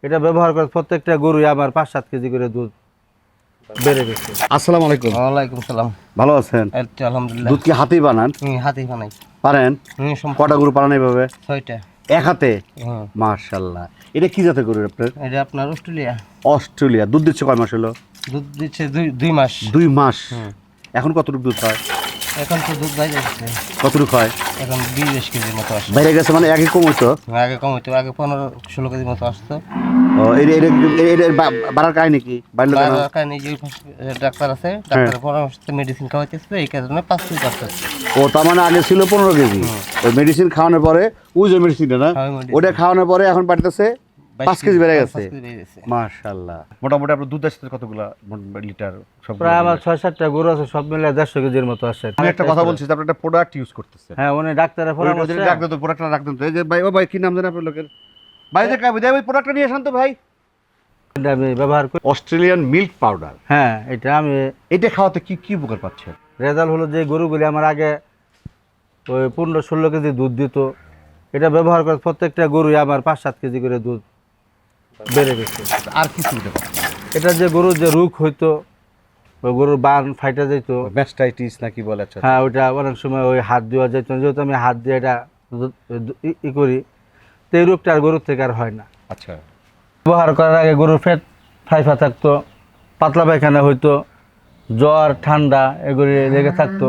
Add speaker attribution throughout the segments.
Speaker 1: এটা ব্যবহার করে প্রত্যেকটা গরুই আমার 5-7 কেজি করে দুধ বেড়ে গেছে।
Speaker 2: আসসালামু আলাইকুম।
Speaker 3: ওয়ালাইকুম সালাম।
Speaker 2: ভালো আছেন?
Speaker 3: এই তো আলহামদুলিল্লাহ।
Speaker 2: দুধ কি হাতেই বানান?
Speaker 3: হাতেই বানাই।
Speaker 2: পারেন? কটা গরু পালন এইভাবে?
Speaker 3: 6টা।
Speaker 2: এক হাতে?
Speaker 3: হুম।
Speaker 2: মাশাআল্লাহ। এটা কি জাতের গরু আপনার?
Speaker 3: এটা আপনার অস্ট্রেলিয়া।
Speaker 2: অস্ট্রেলিয়া। দুধ দিচ্ছে কয় মাস হলো?
Speaker 3: দুধ দিচ্ছে 2 মাস।
Speaker 2: 2 মাস।
Speaker 3: হুম।
Speaker 2: এখন কতটুকু দুধ হয়?
Speaker 3: এখন তো দুধ বাইরে যাচ্ছে।
Speaker 2: কতটুকু হয়?
Speaker 3: এখন 20 কেজির মতো আসছে।
Speaker 2: বাইরে গেছে মানে একই কম হইতো?
Speaker 3: আগে কম হইতো, আগে 15-16 কেজির মতো আসতো।
Speaker 2: ও এটা বাড়ার কাহিনী কি? বাড়লো কেন?
Speaker 3: কারণ এই যে ডাক্তার আছে, ডাক্তারের পরামর্শে মেডিসিন খাওয়াইতেছে, এই কারণে 5 কেজি আসছে।
Speaker 2: ও তার মানে আগে ছিল 15 কেজি। ওই মেডিসিন খাওয়ানোর পরে ওই যে মেডিসিনটা না,
Speaker 3: হ্যাঁ, ওই medicine।
Speaker 2: ওটা খাওয়ানোর পরে এখন বাড়তেছে 5 কেজি বেড়ে গেছে।
Speaker 3: 5 কেজি বেড়ে গেছে।
Speaker 2: মাশাআল্লাহ। মোটামুটি আপনার দুধ আসছে কতগুলা লিটার? সব
Speaker 1: প্রায় আমার 6-7টা গরু আছে, সব মিলে 150 কেজির মতো আসে।
Speaker 2: আমি একটা কথা বলছি যে আপনি একটা প্রোডাক্ট ইউজ করতেছেন।
Speaker 1: হ্যাঁ, উনি ডাক্তারের পরামর্শে
Speaker 2: রাখ দেন তো, প্রোডাক্টটা রাখ দেন তো। এই যে ভাই, ও ভাই কি নাম জানেন আপনার লোকের? ভাই যে কাবি দেয় ওই প্রোডাক্টটা নিয়ে আসেন তো ভাই।
Speaker 1: এটা আমি ব্যবহার করি।
Speaker 2: Australian milk powder.
Speaker 1: হ্যাঁ, এটা আমি
Speaker 2: এটা খাওয়াতে কি কি উপকার পাচ্ছেন?
Speaker 1: রেজাল্ট হলো যে গরুগুলি আমার আগে ওই 15-16 কেজি দুধ দিত, এটা ব্যবহার করে প্রত্যেকটা গরুই আমার 5-7 কেজি করে দুধ বেড়ে গেছে।
Speaker 2: আর কি সুবিধা পাচ্ছেন?
Speaker 1: এটা যে গরুর যে রোগ হইতো, ওই গরুর বান ফাইটা যেত,
Speaker 2: ম্যাস্টাইটিস নাকি বলে? আচ্ছা
Speaker 1: হ্যাঁ, ওইটা অনেক সময় ওই হাত দেওয়া যেত না, যেহেতু আমি হাত দিয়ে এটা ই করি, তো এই রোগটা আর গরুর থেকে আর হয় না।
Speaker 2: আচ্ছা।
Speaker 1: ব্যবহার করার আগে গরুর পেট ফাইফা থাকতো, পাতলা পায়খানা হইতো, জ্বর ঠান্ডা এগুলি লেগে থাকতো,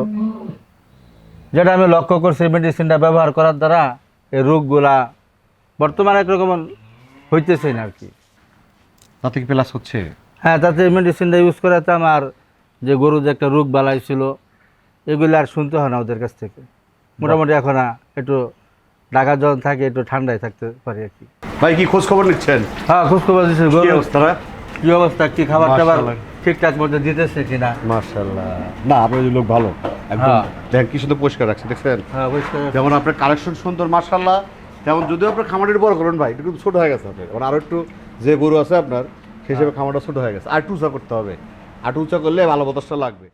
Speaker 1: যেটা আমি লক্ষ্য করছি মেডিসিনটা ব্যবহার করার দ্বারা এই রোগগুলা বর্তমানে একরকম হইতেছে না আর কি।
Speaker 2: তাতে কি প্লাস হচ্ছে?
Speaker 1: হ্যাঁ, তাতে মেডিসিনটা ইউজ করাতে আমার যে গরু যে একটা রোগ বালাই ছিল এগুলি আর শুনতে হয় না ওদের কাছ থেকে। মোটামুটি এখন একটু ঢাকা যখন থাকে একটু ঠান্ডায় থাকতে পারি আর কি।
Speaker 2: ভাই কি খোঁজ খবর নিচ্ছেন?
Speaker 1: হ্যাঁ, খোঁজখবর দিচ্ছি
Speaker 2: কি
Speaker 1: গরু
Speaker 2: অবস্থা?
Speaker 1: কি অবস্থা, কি খাবার টাবার
Speaker 2: মাশাআল্লাহ।
Speaker 1: ঠিকঠাক মতো দিতেছে কিনা।
Speaker 2: মাশাআল্লাহ। না আপনার লোক ভালো একদম।
Speaker 1: হ্যাঁ।
Speaker 2: দেখেন কি সুন্দর পরিষ্কার রাখছে, দেখছেন?
Speaker 1: হ্যাঁ, পরিষ্কার।
Speaker 2: যেমন আপনার কালেকশন সুন্দর মাশাআল্লাহ, তেমন যদিও আপনার খামারের বড় করেন ভাই, একটু ছোট হয়ে গেছে আপনার। আরো একটু যে গরু আছে আপনার সেই হিসেবে খামারটা ছোট হয়ে গেছে, আর একটু উঁচা করতে হবে। আর একটু উঁচা করলে ভালো বাতাসটা লাগবে।